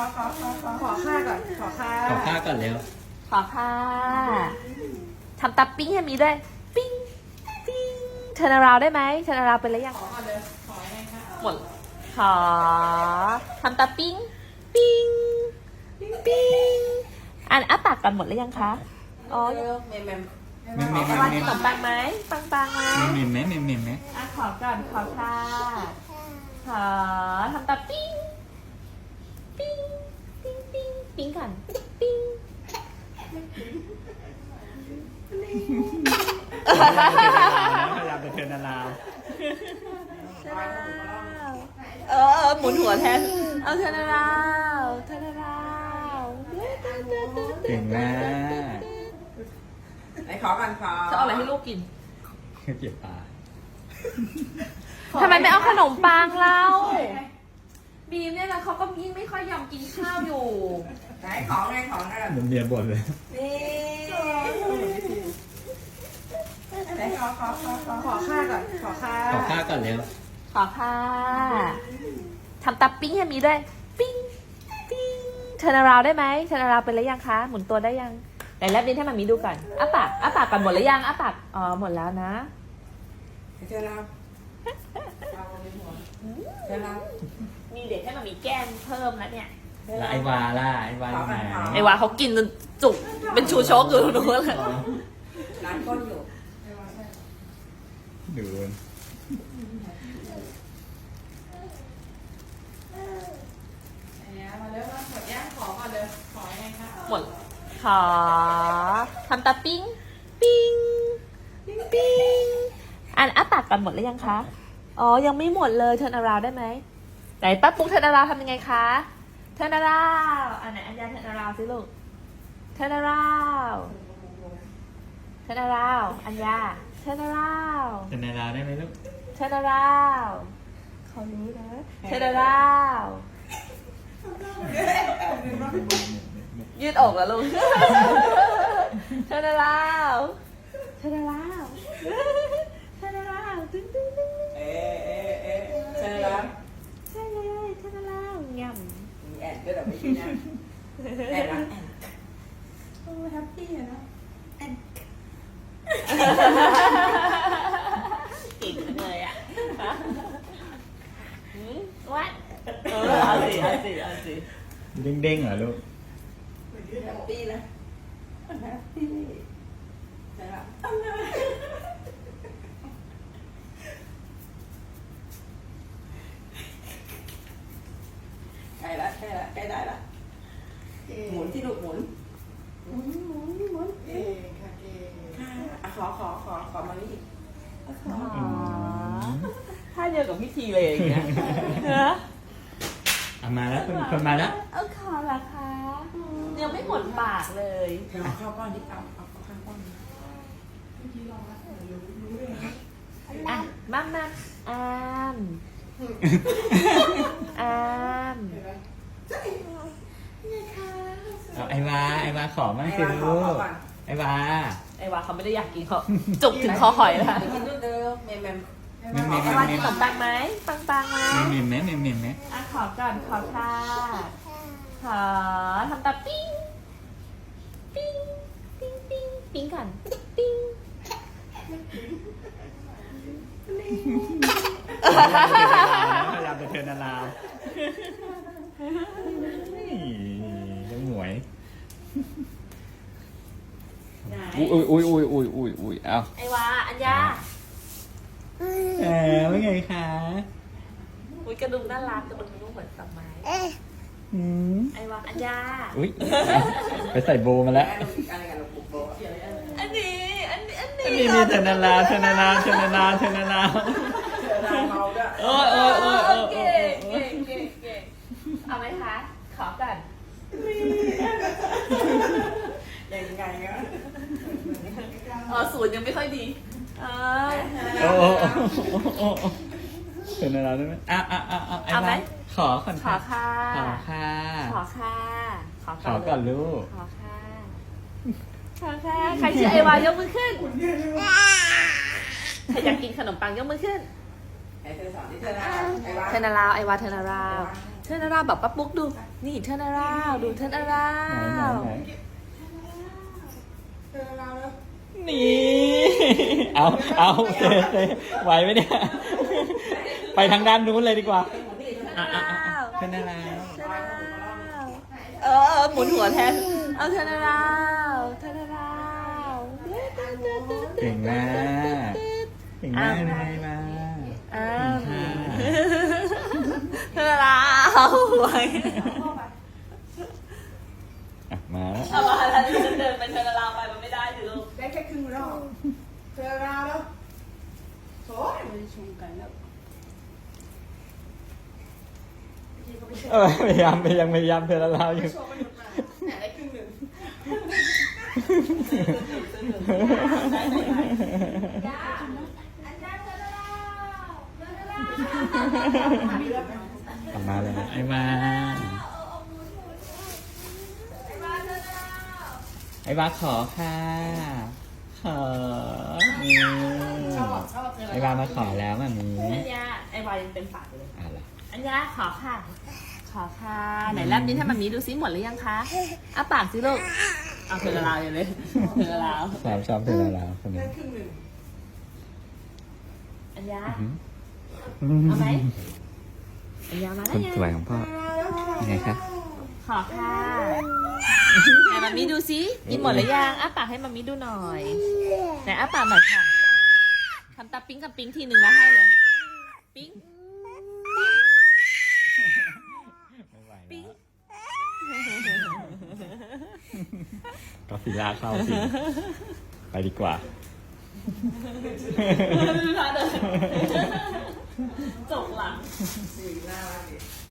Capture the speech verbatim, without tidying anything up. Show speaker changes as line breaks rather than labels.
ขอขอขอขอค่าก่อนขอค่า
ขอค่าก่อนเร็ว
ขอค่ะทำตาปิ้งให้มีด้วยปิ้งปิ้งเทอร์นาราวได้ไหมเทอร์นาราวเป็นอะไรยัง
ขอก่อนเลยขอยังไงคะ
หมดขอทำตาปิ้งปิ้งปิ้งอันอ้าปากกันหมดแล้วยังคะอ๋อ
เร็วเมมเมม
เมมเมม
ไอ้วันกินขนมปังไหมปังปังไหม
เมมเมมไหมเมมเมมไหม
อ่ะขอก่อนขอค่ะขอทำตาปิ้งปิ้งปิ้งปิ้งปิ้งก่อนปิ้ง
พยายามจะเทิร์นาราว
เออหมุนหัวแทนเอาเทอร์นาราวเทอร์นาราว
เก่งมาก
ไหนขอกันขอ
จะเอาอะไรให้ลูกกิน
เก็บปลา
ทำไมไม่เอาขนมปังเราบีมเนี่ยนะเขาก็ยิ่งไม่ค่อยยอมกินข้าวอยู่
ไหนของไงของอะไร
มันเมียบ่นเลย
นี่ไหนขอขอขอขอขอค่าก่อนขอค่า
ขอค่าก่อนเร็ว
ขอค่ะทำตาปิ้งให้มีด้วยปิ้งปิ้งเทอร์นาราวได้ไหมเทอร์นาราวเป็นอะไรยังคะหมุนตัวได้ยังไหนแลบลิ้นให้มามีดูก่อนอ้าปากอ้าปากก่อนหมดหรือยังอ้าปากอ๋อหมดแล้วนะ
เจอแล้วเจอแล้ว
มีเด็กให้มามีแก้มเพิ่มแล้วเนี่ย
แล้วไอวาล่ะไอวาอยู่ไหน
ไอ้วาเขากินจนจุกเป็นชูชกอยู่ตรงนู้นเลย
ร้านก้นอยู่
ดู
มาเร็วมาหมดย่างขอก่อนเลยขอยังไงคะ
หมดขอทำตาปิ้งปิ้งปิ้งอันอ้าปากกันหมดแล้วยังคะอ๋อยังไม่หมดเลยเทิร์นาราวได้ไหมไหนป้าปุ๊กเทิร์นาราวทำยังไงคะเทิร์นาราวอันไหนอันยาเทิร์นาราวสิลูกเทิร์นาราวเทิร์นาราวอันยาเทิร์นาราว
เทิร์นาราวได้ไหมลูก
เทิร์นาราวเขารู้นะเทิร์นาราวยืดอกแล้วลูกเทิร์นาราวเทิร์นาราวเทิร์นาราวตึ้งตึ้งตึ้ง
เอ๊ะเอ๊ะเอ๊ะเจอแล้ว
ใช่เลยเทิร์นาราวง่
มีแอนด้วยแต่ไม่ใช่นะแอนนะแอนโอ้แฮปปี้อะนะแอน
ำเก่งจังเลยอ่ะหืมวัดเออเอาสิเอาสิเอาสิ
เด้งๆเหรอลูก
แฮปปี้นะแฮปปี้ใช่ละใกล้ละใกล้ละใกล้ได้ละหมุนที่ลูกหมุนหมุนหมุนหมุนเก่งค่ะเก่งค่ะอ่ะขอขอขอขอมานี่อีกขอ
อ๋อท่าเดียวกับพิธีเลยอย่างเงี้ยเนอะ
เอามาแล้วคนคนมาแล้ว
เอาขอเหรอคะยังไม่หมดปากเลย
เอาข้าวก้อนนี้เอาเอาข้าวก้อนนี้
อ่ะมามาอามอาม
เอาไอวาไอวาขอมั่งสิลูกไอวา
ไอ้วาเขาไม่ได้อยากกินเขาจุกถึงคอหอยแล้วค่ะ
เดี๋ยวกินด้วยเด้อเมมเมม
เมมเมม
ไอ้วากินขนมปังไหมปังปังไหม
เมมเมมไหมเมมเมมไหม
อ่ะขอก่อนขอค่ะขอทำตาปิ้งปิ้งปิ้งปิ้งปิ้งก่อนปิ้ง
พยายามจะเทิร์นาราวยังหมวยอุ้ยอุ้ยอุ้ยอุ้ยอุ้ยอุ้ยเอา
ไอ้วาอัญญา
เออว่าไงคะ
อุ้ยกระดุมน่ารักกระดุมนุ่มเหมือนดอกไม้
อืม
ไอ้วาอัญญา
อุ้ยไปใส่โบมาแล้ว
อะไรกันลูกปุ๊บโบ
อันนี้อันนี้อันนี้
อันนี้มีเทอร์นาราวเทอร์นาราวเทอร์นาราวเทอร์นาราว
เจอราเมาด้วย
โอ้ยโอ้ยโอ้ยโอ้ยโอ้
เก่
ย
งเก่งเก่งเก่งเอาไหมคะขอก่อน
ยังไงอ่ะ
อ๋อศูนย์ยังไม่ค่อยดีเออ
โอ้โอ้โอ้โอ้เทอร์นาราวได้ไหมอ่ะอ่ะอ่ะอ่ะไอ้
เอาไหม
บ้านขอก่อน
ขอ
ค่ะ
ค่ะ
ขอค่ะ
ขอค่ะ ขอ
ขอก่อนลูก
ขอค่ะขอค่ะใครชื่อไอวายกมือขึ้นใครอยากกินขนมปังยกมือขึ้น
ไหนเธอสอนที่เธอนะไอ้วะ
เทนาราวไอวาเทนาราวเทิร์นาราวแบบป้าปุ๊กดู นี่เทิร์นาราวดูเทิร์นาราว
ไหนไหนไหน
เจอเราแล้ว
นี่ เอาเอาเตะเตะไหวไหมเนี่ย ไปทางด้านนู้นเลยดีกว่าอ่ะอ่ะอ่ะอ่ะเชิญนารา
เทิร์นาราวเออเออหมุนหัวแทน เอาเทิร์นาราวเทิร์นาราว
เก่งมากเก่งมากเลยมา
อ้า
เก่ง
ว
ค่ะ
เทิร์นาราวไว้
อ่ะมาแล้ว
เอามาแล้วฉันเดินไปเทิร์นาราวไปมันไม่ได้สิลูก
ได้แค่ครึ่งรอบเจอเราแล้วโถ่ไม่ได้ชมกันแล้วพี่เขาไปโชว์
เออพยายามพยายามพยายามเธอละลาวอยู่
โชว์กันหมดมาแหมได้ครึ่งหนึ่ง
กลับมาเลยไอ้มาไอ้มาขอค่ะขอนี่
ชอบชอบเจอ
ไอ้มามาขอแล้วแบบนี้
อัญญาไอ้วายยังเป็นฝาอยู่เลย
อ่ะล่ะ
อัญญาขอค่ะ ขอค่ะ ไหนแลบนิ้นให้มันมีดูซิหมดหรือยังคะอ้าปากสิลูก เอาเธอละลาวอยู่เลยเธอละลาว
ชอบชอบเธอละลาวคนนี้
ได้ครึ่งหนึ่ง
อัญญา
อื้อหือ
เอาไหม อัญญามาแล้
ค
วน ยัง
สวยของพ่อยังไงคะ
ขอค่ะไหนมันมีดูซิกินหมดหรือยังอ้าปากให้มันมีดูหน่อยไหนอ้าปากหน่อยค่ะทำตาปิ๊งกับปิ๊งทีหนึ่งแล้วให้เลย ปิ๊ง
ไม่ไหวแล้วก็ฟิลาเข้าสิไปดีกว่า
ดูท่าเดินจกหลัง
สี่หน้าละ